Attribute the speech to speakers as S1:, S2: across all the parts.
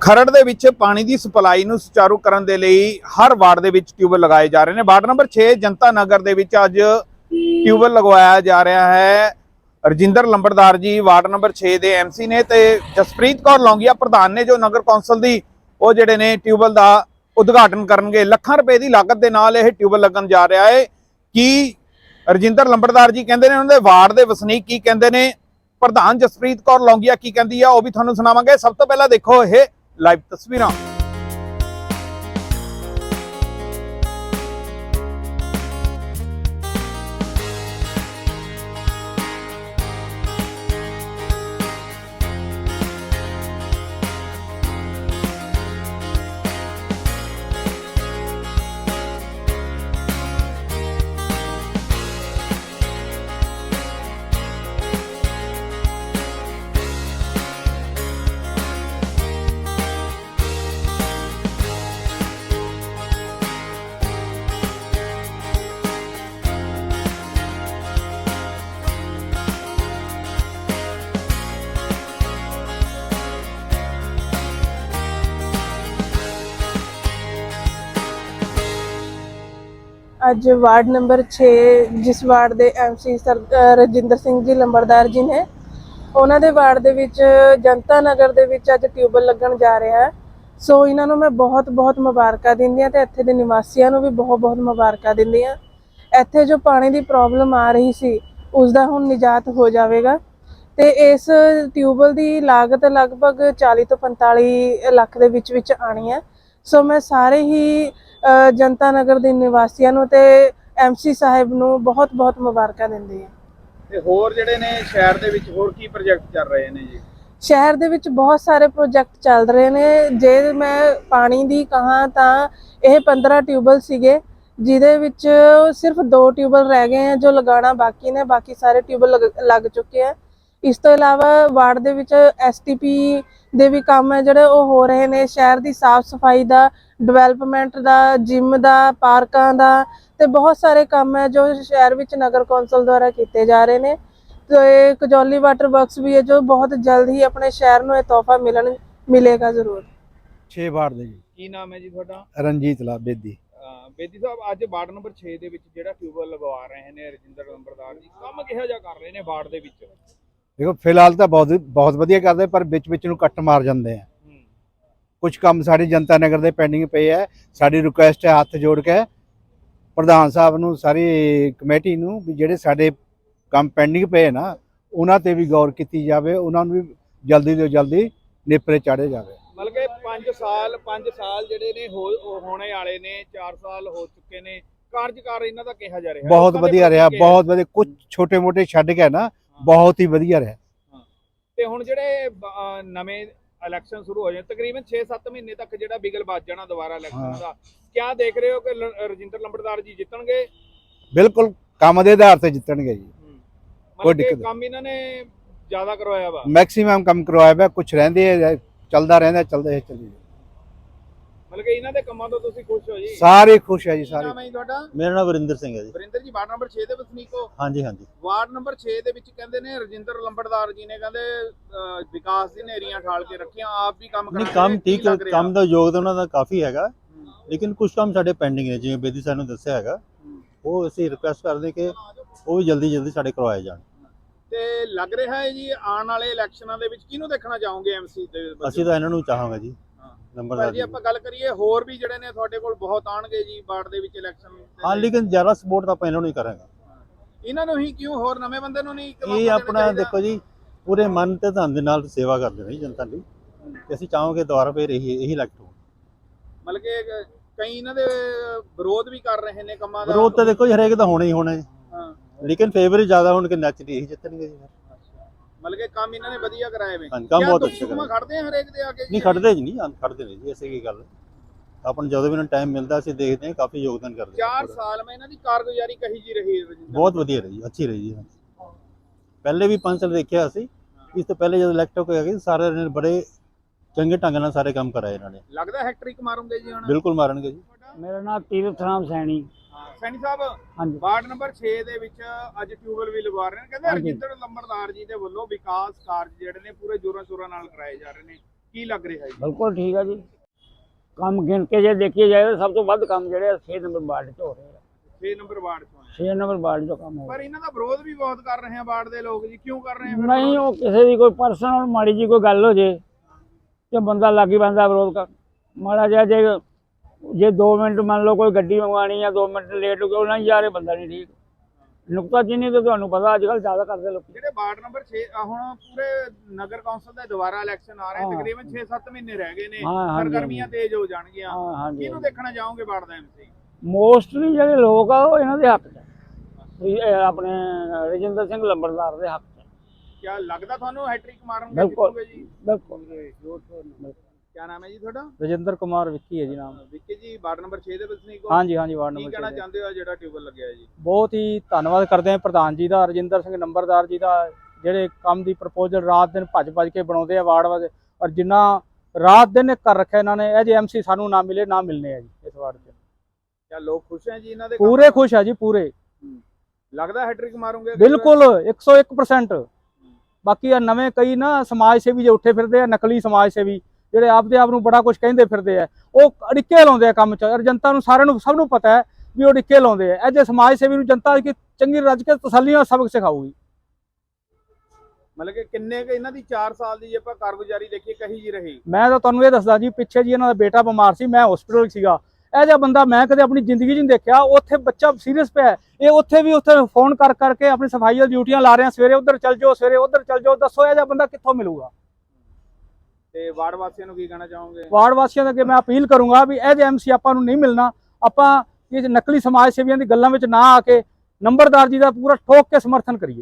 S1: ਖਰੜ ਦੇ ਵਿੱਚ ਪਾਣੀ ਦੀ ਸਪਲਾਈ ਨੂੰ ਸੁਚਾਰੂ ਕਰਨ ਦੇ ਲਈ ਹਰ ਵਾਰਡ ਦੇ ਵਿੱਚ ਟਿਊਬਵੈੱਲ ਲਗਾਏ ਜਾ ਰਹੇ ਨੇ। ਵਾਰਡ ਨੰਬਰ 6 ਜਨਤਾ ਨਗਰ ਦੇ ਵਿੱਚ ਅੱਜ ਟਿਊਬਵੈੱਲ ਲਗਵਾਇਆ ਜਾ ਰਿਹਾ ਹੈ। ਰਜਿੰਦਰ ਲੰਬੜਦਾਰ ਜੀ ਵਾਰਡ ਨੰਬਰ 6 ਦੇ ਐਮਸੀ ਨੇ ਤੇ ਜਸਪ੍ਰੀਤ ਕੌਰ ਲੌਂਗੀਆ ਪ੍ਰਧਾਨ ਨੇ, ਜੋ ਨਗਰ ਕੌਂਸਲ ਦੀ ਉਹ ਜਿਹੜੇ ਨੇ ਟਿਊਬਵੈੱਲ ਦਾ ਉਦਘਾਟਨ ਕਰਨਗੇ। ਲੱਖਾਂ ਰੁਪਏ ਦੀ ਲਾਗਤ ਦੇ ਨਾਲ ਇਹ ਟਿਊਬਵੈੱਲ ਲੱਗਣ ਜਾ ਰਿਹਾ ਹੈ। ਕੀ ਰਜਿੰਦਰ ਲੰਬੜਦਾਰ ਜੀ ਕਹਿੰਦੇ ਨੇ, ਉਹਨਾਂ ਦੇ ਵਾਰਡ ਦੇ ਵਸਨੀਕ ਕੀ ਕਹਿੰਦੇ ਨੇ, ਪ੍ਰਧਾਨ ਜਸਪ੍ਰੀਤ ਕੌਰ ਲੌਂਗੀਆ ਕੀ ਕਹਿੰਦੀ ਆ, ਉਹ ਵੀ ਤੁਹਾਨੂੰ ਸੁਣਾਵਾਂਗੇ। ਸਭ ਤੋਂ ਪਹਿਲਾਂ ਦੇਖੋ ਇਹ ਲਾਈਵ ਤਸਵੀਰਾਂ।
S2: ਅੱਜ ਵਾਰਡ ਨੰਬਰ 6 ਜਿਸ ਵਾਰਡ ਦੇ ਐਮਸੀ ਰਜਿੰਦਰ ਸਿੰਘ ਜੀ ਲੰਬੜਦਾਰ ਜੀ ਨੇ, ਉਹਨਾਂ ਦੇ ਵਾਰਡ ਦੇ ਵਿੱਚ ਜਨਤਾ ਨਗਰ ਦੇ ਵਿੱਚ ਅੱਜ ਟਿਊਬਵੈੱਲ ਲੱਗਣ ਜਾ ਰਿਹਾ ਹੈ। ਸੋ ਇਹਨਾਂ ਨੂੰ ਮੈਂ ਬਹੁਤ ਮੁਬਾਰਕਾਂ ਦਿੰਦੀ ਹਾਂ ਤੇ ਇੱਥੇ ਦੇ ਨਿਵਾਸੀਆਂ ਨੂੰ ਵੀ ਬਹੁਤ ਮੁਬਾਰਕਾਂ ਦਿੰਦੀ ਹਾਂ। ਇੱਥੇ ਜੋ ਪਾਣੀ ਦੀ ਪ੍ਰੋਬਲਮ ਆ ਰਹੀ ਸੀ ਉਸ ਦਾ ਹੁਣ ਨਿਜਾਤ ਹੋ ਜਾਵੇਗਾ ਤੇ ਇਸ ਟਿਊਬਵੈੱਲ ਦੀ ਲਾਗਤ ਲਗਭਗ 40 ਤੋਂ 45 ਲੱਖ ਦੇ ਵਿੱਚ ਆਣੀ ਹੈ। ਸੋ ਮੈਂ ਸਾਰੇ ਹੀ ਜਨਤਾ ਨਗਰ ਦੇ ਨਿਵਾਸੀਆਂ ਨੂੰ ਤੇ ਐਮਸੀ ਸਾਹਿਬ ਨੂੰ ਬਹੁਤ ਮੁਬਾਰਕਾਂ ਦਿੰਦੀ ਹਾਂ।
S1: ਤੇ ਹੋਰ ਜਿਹੜੇ ਨੇ ਸ਼ਹਿਰ ਦੇ ਵਿੱਚ ਹੋਰ ਕੀ ਪ੍ਰੋਜੈਕਟ ਚੱਲ ਰਹੇ ਨੇ ਜੀ?
S2: ਸ਼ਹਿਰ ਦੇ ਵਿੱਚ ਬਹੁਤ ਸਾਰੇ ਪ੍ਰੋਜੈਕਟ ਚੱਲ ਰਹੇ ਨੇ। ਜੇ ਮੈਂ ਪਾਣੀ ਦੀ ਕਹਾਂ ਤਾਂ ਇਹ 15 ਟਿਊਬਵੈੱਲ ਸੀਗੇ, ਜਿਹਦੇ ਵਿੱਚ ਸਿਰਫ 2 ਟਿਊਬਵੈੱਲ ਰਹਿ ਗਏ हैं जो लगाना बाकी ने, बाकी सारे ट्यूबवैल लग चुके हैं। ਇਸ ਤੋਂ ਇਲਾਵਾ ਵਾਰਡ ਦੇ ਵਿੱਚ ਐਸਟੀਪੀ ਦੇ ਵੀ ਕੰਮ ਹੈ ਜਿਹੜੇ ਉਹ ਹੋ ਰਹੇ ਨੇ। ਸ਼ਹਿਰ ਦੀ ਸਾਫ਼ ਸਫਾਈ ਦਾ, ਡਿਵੈਲਪਮੈਂਟ ਦਾ, ਜਿਮ ਦਾ, ਪਾਰਕਾਂ ਦਾ ਤੇ ਬਹੁਤ ਸਾਰੇ ਕੰਮ ਹੈ ਜੋ ਸ਼ਹਿਰ ਵਿੱਚ ਨਗਰ ਕੌਂਸਲ ਦੁਆਰਾ ਕੀਤੇ ਜਾ ਰਹੇ ਨੇ। ਤੇ ਕਜੌਲੀ ਵਾਟਰ ਵਰਕਸ ਵੀ ਹੈ ਜੋ ਬਹੁਤ ਜਲਦ ਹੀ ਆਪਣੇ ਸ਼ਹਿਰ ਨੂੰ ਇਹ ਤੋਹਫਾ ਮਿਲੇਗਾ ਜ਼ਰੂਰ।
S3: 6 ਵਾਰਡ ਦੇ ਜੀ।
S1: ਕੀ ਨਾਮ ਹੈ ਜੀ ਤੁਹਾਡਾ?
S3: ਰਣਜੀਤ ਲਾਲ ਬੇਦੀ।
S1: ਬੇਦੀ ਸਾਹਿਬ, ਅੱਜ ਵਾਰਡ ਨੰਬਰ 6 ਦੇ ਵਿੱਚ ਜਿਹੜਾ ਟਿਊਬਵੈੱਲ ਲਗਵਾ ਰਹੇ ਨੇ ਰਜਿੰਦਰ ਲੰਬੜਦਾਰ ਜੀ, ਕੰਮ ਕਿਹੋ ਜਿਹਾ ਕਰ ਰਹੇ ਨੇ ਵਾਰਡ ਦੇ ਵਿੱਚ?
S3: ਦੇਖੋ ਫਿਲਹਾਲ ਤਾਂ ਬਹੁਤ ਵਧੀਆ ਕਰਦੇ, ਪਰ ਵਿੱਚ ਨੂੰ ਕੱਟ ਮਾਰ ਜਾਂਦੇ ਆ। ਕੁਝ ਕੰਮ ਸਾਡੀ ਜਨਤਾ ਨਗਰ ਦੇ ਪੈਂਡਿੰਗ ਪਏ ਹੈ। ਸਾਡੀ ਰਿਕੁਐਸਟ ਹੈ ਹੱਥ ਜੋੜ ਕੇ ਪ੍ਰਧਾਨ ਸਾਹਿਬ ਨੂੰ, ਸਾਰੀ ਕਮੇਟੀ ਨੂੰ, ਵੀ ਜਿਹੜੇ ਸਾਡੇ ਕੰਮ ਪੈਂਡਿੰਗ ਪਏ ਨਾ ਉਹਨਾਂ ਤੇ ਵੀ ਗੌਰ ਕੀਤੀ ਜਾਵੇ, ਉਹਨਾਂ ਨੂੰ ਵੀ ਜਲਦੀ ਤੋਂ ਜਲਦੀ ਨੇਪਰੇ ਚਾੜੇ ਜਾਵੇ।
S1: ਮਤਲਬ ਕਿ 5 ਸਾਲ ਜਿਹੜੇ ਨੇ ਹੋਣੇ ਵਾਲੇ ਨੇ, 4 ਸਾਲ ਹੋ ਚੁੱਕੇ ਨੇ, ਕਾਰਜਕਾਰ ਇਹਨਾਂ ਦਾ ਕਿਹਾ ਜਾ ਰਿਹਾ?
S3: ਬਹੁਤ ਵਧੀਆ ਰਿਹਾ, ਬਹੁਤ ਵਧੀਆ। ਕੁਝ ਛੋਟੇ ਮੋਟੇ ਛੱਡ ਕੇ ਨਾ ਬਹੁਤ ਹੀ ਵਧੀਆ ਰਿਹਾ।
S1: ਤੇ ਹੁਣ ਜਿਹੜੇ ਨਵੇਂ ਇਲੈਕਸ਼ਨ ਸ਼ੁਰੂ ਹੋ ਜਾਣ, ਤਕਰੀਬਨ 6-7 ਮਹੀਨੇ ਤੱਕ ਜਿਹੜਾ ਬਿਗਲ ਵੱਜ ਜਾਣਾ ਦੁਬਾਰਾ ਇਲੈਕਸ਼ਨ ਦਾ, ਕਿਆ ਦੇਖ ਰਹੇ ਹੋ ਕਿ ਰਜਿੰਦਰ ਲੰਬੜਦਾਰ ਜੀ ਜਿੱਤਣਗੇ?
S3: ਬਿਲਕੁਲ ਕੰਮ ਦੇ ਆਧਾਰ ਤੇ ਜਿੱਤਣਗੇ ਜੀ।
S1: ਕੋਈ ਦਿੱਕਤ? ਕੰਮ ਇਹਨਾਂ ਨੇ ਜ਼ਿਆਦਾ ਕਰਵਾਇਆ ਵਾ,
S3: ਮੈਕਸਿਮਮ ਕੰਮ ਕਰਵਾਇਆ ਵਾ। ਕੁਝ ਰਹਿੰਦੇ ਚੱਲਦਾ ਰਹਿੰਦਾ, ਚੱਲਦੇ ਚੱਲੀ।
S1: ਮਤਲਬ ਕਿ ਇਹਨਾਂ ਦੇ ਕੰਮਾਂ ਤੋਂ ਤੁਸੀਂ ਖੁਸ਼ ਹੋ ਜੀ?
S3: ਸਾਰੇ ਖੁਸ਼ ਹੈ ਜੀ, ਸਾਰੇ।
S1: ਨਾਮ ਹੈ ਜੀ ਤੁਹਾਡਾ?
S4: ਮੇਰਾ ਨਾਮ ਵਰਿੰਦਰ ਸਿੰਘ ਹੈ ਜੀ।
S1: ਵਰਿੰਦਰ ਜੀ, ਵਾਰਡ ਨੰਬਰ 6 ਦੇ ਵਸਨੀਕ ਹੋ?
S4: ਹਾਂਜੀ।
S1: ਵਾਰਡ ਨੰਬਰ 6 ਦੇ ਵਿੱਚ ਕਹਿੰਦੇ ਨੇ ਰਜਿੰਦਰ ਲੰਬੜਦਾਰ ਜੀ ਨੇ ਕਹਿੰਦੇ ਵਿਕਾਸ ਦੀ ਨੇਰੀਆਂ ਠਾਲ ਕੇ ਰੱਖੀਆਂ, ਆਪ ਵੀ ਕੰਮ
S4: ਨਹੀਂ, ਕੰਮ ਠੀਕ ਹੈ, ਕੰਮ ਦਾ ਯੋਗਦਾਨ ਉਹਨਾਂ ਦਾ ਕਾਫੀ ਹੈਗਾ, ਲੇਕਿਨ ਕੁਝ ਕੰਮ ਸਾਡੇ ਪੈਂਡਿੰਗ ਨੇ, ਜਿਵੇਂ ਬੇਦੀ ਸਾਹਿਬ ਨੂੰ ਦੱਸਿਆ ਹੈਗਾ। ਉਹ ਅਸੀਂ ਰਿਕੁਐਸਟ ਕਰਦੇ ਕਿ ਉਹ ਵੀ ਜਲਦੀ ਸਾਡੇ ਕਰਵਾਏ ਜਾਣ।
S1: ਤੇ ਲੱਗ ਰਿਹਾ ਹੈ ਜੀ ਆਉਣ ਵਾਲੇ ਇਲੈਕਸ਼ਨਾਂ ਦੇ ਵਿੱਚ ਕਿਹਨੂੰ ਦੇਖਣਾ ਚਾਹੋਗੇ ਐਮਸੀ ਦੇ?
S4: ਅਸੀਂ ਤਾਂ ਇਹਨਾਂ ਨੂੰ ਚਾਹਾਂਗੇ ਜੀ, ਨੰਬਰਦਾਰ
S1: ਜੀ। ਆਪਾਂ ਗੱਲ ਕਰੀਏ ਹੋਰ ਵੀ ਜਿਹੜੇ ਨੇ ਤੁਹਾਡੇ ਕੋਲ ਬਹੁਤ ਆਣਗੇ ਜੀ ਵਾਰਡ ਦੇ ਵਿੱਚ ਇਲੈਕਸ਼ਨ।
S4: ਹਾਂ, ਲੇਕਿਨ ਜ਼ਿਆਦਾ ਸਪੋਰਟ ਤਾਂ ਆਪਾਂ ਇਹਨਾਂ ਨੂੰ ਹੀ ਕਰਾਂਗੇ।
S1: ਇਹਨਾਂ ਨੂੰ ਹੀ ਕਿਉਂ? ਹੋਰ ਨਵੇਂ ਬੰਦੇ ਨੂੰ ਨਹੀਂ?
S4: ਇਹ ਆਪਣਾ ਦੇਖੋ ਜੀ, ਪੂਰੇ ਮਨ ਤੇ ਧਨ ਦੇ ਨਾਲ ਸੇਵਾ ਕਰਦੇ ਨੇ ਜਨਤਾ ਦੀ, ਤੇ ਅਸੀਂ ਚਾਹਾਂਗੇ ਦੁਬਾਰਾ ਫੇਰ ਇਹੀ ਇਲੈਕਟ ਹੋ।
S1: ਮਤਲਬ ਕਿ ਕਈ ਇਹਨਾਂ ਦੇ ਵਿਰੋਧ ਵੀ ਕਰ ਰਹੇ ਨੇ ਕੰਮਾਂ ਦਾ।
S4: ਵਿਰੋਧ ਤਾਂ ਦੇਖੋ ਜੀ ਹਰੇਕ ਦਾ ਹੋਣਾ ਹੀ ਹੋਣਾ ਜੀ, ਲੇਕਿਨ ਫੇਵਰ ਜ਼ਿਆਦਾ ਹੋਣ ਕਿ ਨੈਚੁਰਲੀ ਇਹੀ ਜਿੱਤਣਗੇ ਜੀ।
S1: ਮਤਲਬ ਕਿ ਕੰਮ ਇਹਨਾਂ ਨੇ ਵਧੀਆ ਕਰਾਏ ਵੇ।
S4: ਕੰਮ ਬਹੁਤ ਅੱਛਾ ਕਰਾਇਆ।
S1: ਖੜਦੇ ਆ ਹਰੇਕ ਦੇ ਆ ਕੇ?
S4: ਨਹੀਂ ਖੜਦੇ ਜੀ, ਨਹੀਂ ਖੜਦੇ ਨੇ ਜੀ, ਐਸੀ ਕੀ ਗੱਲ। ਆਪਾਂ ਨੂੰ ਜਦੋਂ ਵੀ ਇਹਨਾਂ ਟਾਈਮ ਮਿਲਦਾ ਅਸੀਂ ਦੇਖਦੇ ਹਾਂ, ਕਾਫੀ ਯੋਗਦਾਨ ਕਰਦੇ।
S1: 4 ਸਾਲ ਮੈਂ ਇਹਨਾਂ ਦੀ ਕਾਰਗੁਜ਼ਾਰੀ ਕਹੀ ਜੀ ਰਹੀ?
S4: ਬਹੁਤ ਵਧੀਆ ਰਹੀ, ਅੱਛੀ ਰਹੀ ਜੀ। ਪਹਿਲੇ ਵੀ 5 ਸਾਲ ਦੇਖਿਆ ਅਸੀਂ, ਇਸ ਤੋਂ ਪਹਿਲੇ ਜਦੋਂ ਇਲੈਕਟ ਹੋ ਕੇ ਗਏ ਸਾਰੇ ਨੇ ਬੜੇ ਚੰਗੇ ਢੰਗ ਨਾਲ ਸਾਰੇ ਕੰਮ ਕਰਾਏ ਇਹਨਾਂ ਨੇ।
S1: ਲੱਗਦਾ ਹੈਟ੍ਰਿਕ ਮਾਰੂਗੇ ਜੀ ਹੁਣ?
S4: ਬਿਲਕੁਲ ਮਾਰਨਗੇ ਜੀ।
S5: ਮੇਰਾ ਨਾਮ ਤੀਰਥ ਰਾਮ ਸੈਣੀ।
S1: ਸੈਣੀ ਸਾਹਿਬ,
S5: ਹਾਂਜੀ।
S1: ਵਾਰਡ ਨੰਬਰ 6 ਦੇ ਵਿੱਚ ਅੱਜ ਟਿਊਬਵੈੱਲ ਵੀ ਲਗਵਾ ਰਹੇ ਨੇ, ਕਹਿੰਦੇ ਰਜਿੰਦਰ ਲੰਬੜਦਾਰ ਜੀ ਦੇ ਵੱਲੋਂ ਵਿਕਾਸ ਕਾਰਜ ਜਿਹੜੇ ਨੇ ਪੂਰੇ ਜ਼ੋਰਾਂ ਸ਼ੋਰਾਂ ਨਾਲ ਕਰਾਏ ਜਾ ਰਹੇ ਨੇ, ਕੀ ਲੱਗ ਰਿਹਾ ਹੈ ਜੀ?
S5: ਬਿਲਕੁਲ ਠੀਕ ਆ ਜੀ। ਕੰਮ ਗਿਣ ਕੇ ਜੇ ਦੇਖੀਏ ਜਾਏ ਤਾਂ ਸਭ ਤੋਂ ਵੱਧ ਕੰਮ ਜਿਹੜੇ 6 ਨੰਬਰ ਵਾਰਡ 'ਚ ਹੋ ਰਹੇ ਆ।
S1: 6 ਨੰਬਰ ਵਾਰਡ ਚੋਂ ਹੈ।
S5: 6 ਨੰਬਰ ਵਾਰਡ 'ਚ ਕੰਮ ਹੋ
S1: ਪਰ
S5: ਰਿਹਾ।
S1: ਇਹਨਾਂ ਦਾ ਵਿਰੋਧ ਵੀ ਬਹੁਤ ਕਰ ਰਹੇ ਆ ਵਾਰਡ ਦੇ ਲੋਕ ਜੀ, ਕਿਉਂ ਕਰ ਰਹੇ ਆ ਫਿਰ
S5: ਨਹੀਂ,
S1: ਵਿਰੋਧ?
S5: ਉਹ ਕਿਸੇ ਦੀ ਕੋਈ ਪਰਸਨਲ ਮਾੜੀ ਜੀ ਕੋਈ ਗੱਲ ਹੋ ਜੇ ਤੇ ਬੰਦਾ ਲੱਗ ਹੀ ਪੈਂਦਾ ਵਿਰੋਧ ਕਰ। ਮਾੜਾ ਜਿਹਾ ਜੇ 2 ਮਿੰਟ ਮੰਨ ਲਓ ਕੋਈ ਗੱਡੀ ਮੰਗਵਾਉਣੀ ਆ, 2 ਮਿੰਟ ਲੇਟ ਹੋ ਗਿਆ, ਉਹਨਾਂ ਹੀ ਜਾ ਰਹੇ, ਬੰਦਾ ਨਹੀਂ ਠੀਕ। ਨੁਕਤਾਚੀਨੀ ਤਾਂ ਤੁਹਾਨੂੰ ਪਤਾ ਅੱਜ ਕੱਲ੍ਹ ਜ਼ਿਆਦਾ ਕਰਦੇ ਲੋਕ।
S1: ਜਿਹੜੇ ਵਾਰਡ ਨੰਬਰ 6 ਹੁਣ ਪੂਰੇ ਨਗਰ ਕੌਂਸਲ ਦੇ ਦੁਬਾਰਾ ਇਲੈਕਸ਼ਨ ਆ ਰਹੇ,
S5: ਹਾਂ।
S1: ਤਕਰੀਬਨ 6-7 ਮਹੀਨੇ ਰਹਿ ਗਏ ਨੇ,
S5: ਹਾਂ, ਹਾਂਜੀ,
S1: ਸਰਗਰਮੀਆਂ ਤੇਜ਼ ਹੋ ਜਾਣਗੀਆਂ।
S5: ਹਾਂ, ਹਾਂਜੀ।
S1: ਕਿਹਨੂੰ ਦੇਖਣਾ ਚਾਹੋਗੇ ਵਾਰਡ ਦਾ ਐਮਸੀ?
S5: ਮੋਸਟਲੀ ਜਿਹੜੇ ਲੋਕ ਆ ਉਹ ਇਹਨਾਂ ਦੇ ਹੱਕ 'ਚ ਆ। ਵੀ ਇਹ ਆਪਣੇ ਰਜਿੰਦਰ ਸਿੰਘ ਲੰਬੜਦਾਰ ਦੇ ਹੱਕ 'ਚ ਆ।
S1: ਕਿਆ ਲੱਗਦਾ ਤੁਹਾਨੂੰ ਹੈਟ੍ਰਿਕ ਮਾਰਨਗੇ
S5: ਬਿਲਕੁਲ।
S1: ਜਿੱਤੂਗੇ ਜੀ?
S5: ਬਿਲਕੁਲ।
S1: ਕਿਆ ਨਾਮ ਹੈ ਜੀ ਤੁਹਾਡਾ?
S6: ਰਜਿੰਦਰ ਕੁਮਾਰ ਵਿੱਕੀ ਹੈ ਜੀ ਨਾਮ।
S1: ਵਿੱਕੀ ਜੀ, ਵਾਰਡ ਨੰਬਰ 6 ਦੇ ਵਸਨੀਕ ਹੋ?
S6: ਹਾਂਜੀ ਹਾਂਜੀ, ਵਾਰਡ
S1: ਕੀ
S6: ਨੰਬਰ
S1: ਕਹਿਣਾ
S6: 6
S1: ਚਾਹੁੰਦੇ ਹੋ ਜਿਹੜਾ ਟਿਊਬਲ ਲੱਗਿਆ ਹੈ ਜੀ?
S6: ਬਹੁਤ ਹੀ ਧੰਨਵਾਦ ਕਰਦੇ ਹਾਂ ਪ੍ਰਧਾਨ ਜੀ ਦਾ, ਰਜਿੰਦਰ ਸਿੰਘ ਨੰਬਰਦਾਰ ਜੀ ਦਾ, ਜਿਹੜੇ ਕੰਮ ਦੀ ਪ੍ਰਪੋਜ਼ਲ ਰਾਤ ਦਿਨ ਭੱਜ ਕੇ ਬਣਾਉਂਦੇ ਆ ਵਾਰਡ ਵਾਲੇ, ਔਰ ਜਿੰਨਾ ਰਾਤ ਦਿਨ ਕਰ ਰੱਖਿਆ ਇਹਨਾਂ ਨੇ। ਇਹ ਜੇ ਐਮਸੀ ਸਾਨੂੰ ਨਾ ਮਿਲੇ ਨਾ ਮਿਲਨੇ ਆ ਜੀ ਇਸ ਵਾਰਡ 'ਚ।
S1: ਕਿਆ ਲੋਕ ਖੁਸ਼ ਹੈ ਜੀ ਇਹਨਾਂ ਦੇ
S6: ਪੂਰੇ
S1: ਕੰਮ?
S6: ਖੁਸ਼ ਆ ਜੀ, ਪੂਰੇ।
S1: ਲੱਗਦਾ ਹੈਟ੍ਰਿਕ ਮਾਰੋਗੇ?
S6: ਬਿਲਕੁਲ 101%। ਬਾਕੀ ਆ ਨਵੇਂ ਕਈ ਨਾ ਸਮਾਜ ਸੇਵੀ ਜੇ ਉੱਠੇ ਫਿਰਦੇ ਆ, ਨਕਲੀ ਸਮਾਜ ਸੇਵੀ ਜਿਹੜੇ ਆਪਦੇ ਆਪ ਨੂੰ ਬੜਾ ਕੁਝ ਕਹਿੰਦੇ ਫਿਰਦੇ ਆ, ਉਹ ਅੜਿੱਕੇ ਲਾਉਂਦੇ ਆ ਕੰਮ 'ਚ। ਔਰ ਜਨਤਾ ਨੂੰ ਸਾਰਿਆਂ ਨੂੰ ਸਭ ਨੂੰ ਪਤਾ ਹੈ ਵੀ ਉਹ ਅੜਿੱਕੇ ਲਾਉਂਦੇ ਆ। ਇਹ ਜੇ ਸਮਾਜ ਸੇਵੀ ਨੂੰ ਜਨਤਾ ਕਿ ਚੰਗੀ ਰੱਜ ਕੇ ਤਸੱਲੀ ਨਾਲ ਸਬਕ ਸਿਖਾਊਗੀ।
S1: ਮਤਲਬ ਕਿ ਕਿੰਨੇ ਕੁ ਇਹਨਾਂ ਦੀ 4 ਸਾਲ ਦੀ ਜੇ ਆਪਾਂ ਕਾਰਗੁਜ਼ਾਰੀ ਦੇਖੀਏ ਕਹੀ ਜੀ ਰਹੀ?
S6: ਮੈਂ ਤਾਂ ਤੁਹਾਨੂੰ ਇਹ ਦੱਸਦਾ ਜੀ, ਪਿੱਛੇ ਜੀ ਇਹਨਾਂ ਦਾ ਬੇਟਾ ਬਿਮਾਰ ਸੀ, ਮੈਂ ਹਸਪੀਟਲ ਸੀਗਾ। ਇਹ ਜਿਹਾ ਬੰਦਾ ਮੈਂ ਕਦੇ ਆਪਣੀ ਜ਼ਿੰਦਗੀ 'ਚ ਨਹੀਂ ਦੇਖਿਆ। ਉੱਥੇ ਬੱਚਾ ਸੀਰੀਅਸ ਪਿਆ, ਇਹ ਉੱਥੇ ਫੋਨ ਕਰਕੇ ਆਪਣੀ ਸਫਾਈ ਦੀਆਂ ਡਿਊਟੀਆਂ ਲਾ ਰਹੇ ਆ, ਸਵੇਰੇ ਉੱਧਰ ਚੱਲ ਜਾਓ, ਸਵੇਰੇ ਉੱਧਰ ਚੱਲ ਜਾਓ। ਦੱਸੋ ਇਹ ਜਿਹਾ ਬੰਦਾ ਕਿੱਥੋਂ ਮਿਲੂਗਾ?
S1: ਤੇ ਵਾਰਡ ਵਾਸੀਆਂ ਨੂੰ ਕੀ ਕਹਿਣਾ ਚਾਹੋਗੇ?
S6: ਵਾਰਡ ਵਾਸੀਆਂ ਦੇ ਅੱਗੇ ਮੈਂ ਅਪੀਲ ਕਰੂੰਗਾ ਵੀ ਇਹ ਜੇ ਐਮਸੀ ਆਪਾਂ ਨੂੰ ਨਹੀਂ ਮਿਲਣਾ। ਆਪਾਂ ਇਹ ਨਕਲੀ ਸਮਾਜ ਸੇਵੀਆਂ ਦੀ ਗੱਲਾਂ ਵਿੱਚ ਨਾ ਆ ਕੇ ਨੰਬਰਦਾਰ ਜੀ ਦਾ ਪੂਰਾ ਠੋਕ ਕੇ ਸਮਰਥਨ ਕਰੀਏ,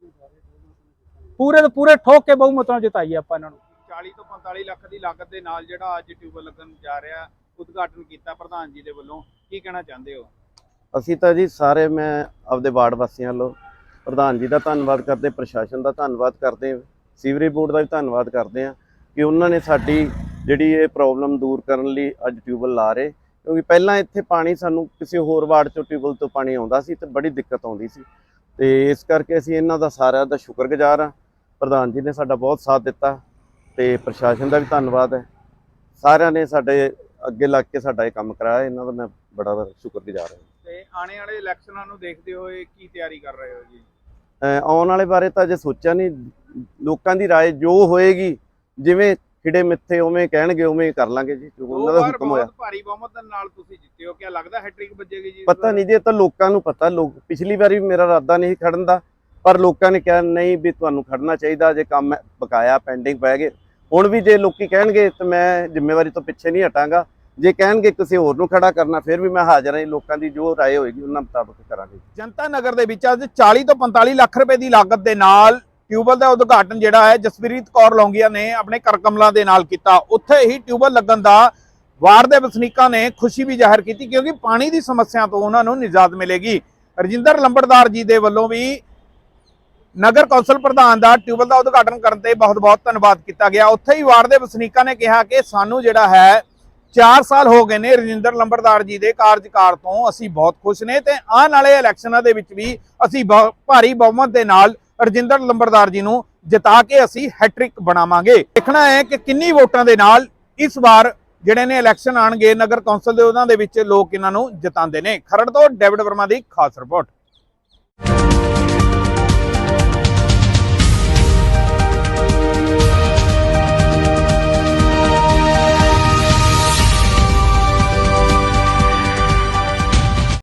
S6: ਪੂਰੇ ਦੇ ਪੂਰੇ ਠੋਕ ਕੇ ਬਹੁਮਤ ਨਾਲ ਜਿਤਾਈਏ ਆਪਾਂ ਇਹਨਾਂ ਨੂੰ।
S1: 40 ਤੋਂ 45 ਲੱਖ ਦੀ ਲਾਗਤ ਦੇ ਨਾਲ ਜਿਹੜਾ ਅੱਜ ਟਿਊਬਲ ਲੱਗਣ ਜਾ ਰਿਹਾ, ਉਦਘਾਟਨ ਕੀਤਾ ਪ੍ਰਧਾਨ ਜੀ ਦੇ ਵੱਲੋਂ, ਕੀ ਕਹਿਣਾ ਚਾਹੁੰਦੇ ਹੋ?
S7: ਅਸੀਂ ਤਾਂ ਜੀ ਸਾਰੇ, ਮੈਂ ਆਪਦੇ ਵਾਰਡ ਵਾਸੀਆਂ ਵੱਲੋਂ ਪ੍ਰਧਾਨ ਜੀ ਦਾ ਧੰਨਵਾਦ ਕਰਦੇ, ਪ੍ਰਸ਼ਾਸਨ ਦਾ ਧੰਨਵਾਦ ਕਰਦੇ, ਸੀਵਰੇਜ ਬੋਰਡ ਦਾ ਵੀ ਧੰਨਵਾਦ ਕਰਦੇ ਹਾਂ ਕਿ ਉਹਨਾਂ ਨੇ ਸਾਡੀ ਜਿਹੜੀ ਇਹ ਪ੍ਰੋਬਲਮ ਦੂਰ ਕਰਨ ਲਈ ਅੱਜ ਟਿਊਬਲ ਲਾ ਰਹੇ। ਕਿਉਂਕਿ ਪਹਿਲਾਂ ਇੱਥੇ ਪਾਣੀ ਸਾਨੂੰ ਕਿਸੇ ਹੋਰ ਵਾਰਡ ਚੋਂ ਟਿਊਬਲ ਤੋਂ ਪਾਣੀ ਆਉਂਦਾ ਸੀ ਤੇ ਬੜੀ ਦਿੱਕਤ ਆਉਂਦੀ ਸੀ, ਤੇ ਇਸ ਕਰਕੇ ਅਸੀਂ ਇਹਨਾਂ ਦਾ ਸਾਰਿਆਂ ਦਾ ਸ਼ੁਕਰਗੁਜ਼ਾਰ ਹਾਂ। ਪ੍ਰਧਾਨ ਜੀ ਨੇ ਸਾਡਾ ਬਹੁਤ ਸਾਥ ਦਿੱਤਾ ਤੇ ਪ੍ਰਸ਼ਾਸਨ ਦਾ ਵੀ ਧੰਨਵਾਦ ਹੈ। ਸਾਰਿਆਂ ਨੇ ਸਾਡੇ ਅੱਗੇ ਲੱਗ ਕੇ ਸਾਡਾ ਇਹ ਕੰਮ ਕਰਾਇਆ, ਇਹਨਾਂ ਦਾ ਮੈਂ ਬੜਾ ਸ਼ੁਕਰਗੁਜ਼ਾਰ ਹਾਂ।
S1: ਤੇ ਆਉਣ ਵਾਲੇ ਇਲੈਕਸ਼ਨਾਂ ਨੂੰ ਦੇਖਦੇ ਹੋਏ ਕੀ ਤਿਆਰੀ ਕਰ ਰਹੇ ਹੋ ਜੀ?
S7: ਆਉਣ ਵਾਲੇ ਬਾਰੇ ਤਾਂ ਅਜੇ ਸੋਚਿਆ ਨਹੀਂ, ਲੋਕਾਂ ਦੀ ਰਾਏ ਜੋ ਹੋਏਗੀ, ਜਿਵੇਂ ਖਿੜੇ ਮਿੱਥੇ ਉਵੇਂ ਕਹਿਣਗੇ ਉਵੇਂ ਕਰ ਲਾਂਗੇ ਜੀ, ਉਹਨਾਂ ਦਾ ਹੁਕਮ ਹੋਇਆ।
S1: ਬਹੁਤ ਭਾਰੀ ਬਹੁਮਤ ਦੇ ਨਾਲ ਤੁਸੀਂ ਜਿੱਤੇ ਹੋ, ਕਿਆ ਲੱਗਦਾ ਹੈਟ੍ਰਿਕ ਵੱਜੇਗੀ ਜੀ?
S7: ਪਤਾ ਨਹੀਂ ਜੀ, ਇਹ ਤਾਂ ਲੋਕਾਂ ਨੂੰ ਪਤਾ। ਲੋਕ ਪਿਛਲੀ ਵਾਰੀ ਮੇਰਾ ਇਰਾਦਾ ਨਹੀਂ ਖੜਨ ਦਾ, ਪਰ ਲੋਕਾਂ ਨੇ ਕਿਹਾ ਨਹੀਂ ਵੀ ਤੁਹਾਨੂੰ ਖੜਨਾ ਚਾਹੀਦਾ, ਜੇ ਕੰਮ ਬਕਾਇਆ ਪੈਂਡਿੰਗ ਪੈ ਗਏ। ਹੁਣ ਵੀ ਜੇ ਲੋਕੀ ਕਹਿਣਗੇ ਤਾਂ ਮੈਂ ਜ਼ਿੰਮੇਵਾਰੀ ਤੋਂ ਪਿੱਛੇ ਨਹੀਂ ਹਟਾਂਗਾ। ਜੇ ਕਹਿਣਗੇ ਕਿਸੇ ਹੋਰ ਨੂੰ ਖੜਾ ਕਰਨਾ, ਫਿਰ ਵੀ ਮੈਂ ਹਾਜ਼ਰ ਹਾਂ। ਲੋਕਾਂ ਦੀ ਜੋ ਰਾਏ ਹੋਏਗੀ ਉਹਨਾਂ ਮੁਤਾਬਕ ਕਰਾਂਗੇ।
S1: ਜਨਤਾ ਨਗਰ ਦੇ ਵਿੱਚ ਅੱਜ 40 ਤੋਂ 45 ਲੱਖ ਰੁਪਏ ਦੀ ਲਾਗਤ ਦੇ ਨਾਲ ਟਿਊਬਲ ਦਾ ਉਦਘਾਟਨ ਜਿਹੜਾ ਹੈ ਜਸਪ੍ਰੀਤ ਕੌਰ ਲੌਂਗੀਆ ਨੇ ਆਪਣੇ ਕਰਕਮਲਾਂ ਦੇ ਨਾਲ ਕੀਤਾ। ਉੱਥੇ ਹੀ ਟਿਊਬਲ ਲੱਗਣ ਦਾ ਵਾਰਡ ਦੇ ਵਸਨੀਕਾਂ ਨੇ ਖੁਸ਼ੀ ਵੀ ਜ਼ਾਹਿਰ ਕੀਤੀ, ਕਿਉਂਕਿ ਪਾਣੀ ਦੀ ਸਮੱਸਿਆ ਤੋਂ ਉਹਨਾਂ ਨੂੰ ਨਿਜਾਤ ਮਿਲੇਗੀ। ਰਜਿੰਦਰ ਲੰਬੜਦਾਰ ਜੀ ਦੇ ਵੱਲੋਂ ਵੀ ਨਗਰ ਕੌਂਸਲ ਪ੍ਰਧਾਨ ਦਾ ਟਿਊਬਲ ਦਾ ਉਦਘਾਟਨ ਕਰਨ ਤੇ ਬਹੁਤ-ਬਹੁਤ ਧੰਨਵਾਦ ਕੀਤਾ ਗਿਆ। ਉੱਥੇ ਹੀ ਵਾਰਡ ਦੇ ਵਸਨੀਕਾਂ ਨੇ ਕਿਹਾ ਕਿ ਸਾਨੂੰ ਜਿਹੜਾ ਹੈ 4 ਸਾਲ ਹੋ ਗਏ ਨੇ ਰਜਿੰਦਰ ਲੰਬੜਦਾਰ ਜੀ ਦੇ ਕਾਰਜਕਾਲ ਤੋਂ, ਅਸੀਂ ਬਹੁਤ ਖੁਸ਼ ਨੇ ਤੇ ਆਉਣ ਵਾਲੇ ਇਲੈਕਸ਼ਨਾਂ ਦੇ ਵਿੱਚ ਵੀ ਅਸੀਂ ਭਾਰੀ ਬਹੁਮਤ ਦੇ ਨਾਲ ਰਜਿੰਦਰ ਲੰਬੜਦਾਰ ਜੀ ਨੂੰ ਜਿਤਾ ਕੇ ਅਸੀਂ ਹੈਟ੍ਰਿਕ ਬਣਾਵਾਂਗੇ। ਦੇਖਣਾ ਹੈ ਕਿ ਕਿੰਨੀ ਵੋਟਾਂ ਦੇ ਨਾਲ ਇਸ ਵਾਰ ਜਿਹੜੇ ਨੇ ਇਲੈਕਸ਼ਨ ਆਣਗੇ ਨਗਰ ਕੌਂਸਲ ਦੇ, ਉਹਨਾਂ ਦੇ ਵਿੱਚ ਲੋਕ ਇਹਨਾਂ ਨੂੰ ਜਿਤਾਉਂਦੇ ਨੇ। ਖਰੜ ਤੋਂ ਡੇਵਿਡ ਵਰਮਾ ਦੀ ਖਾਸ ਰਿਪੋਰਟ।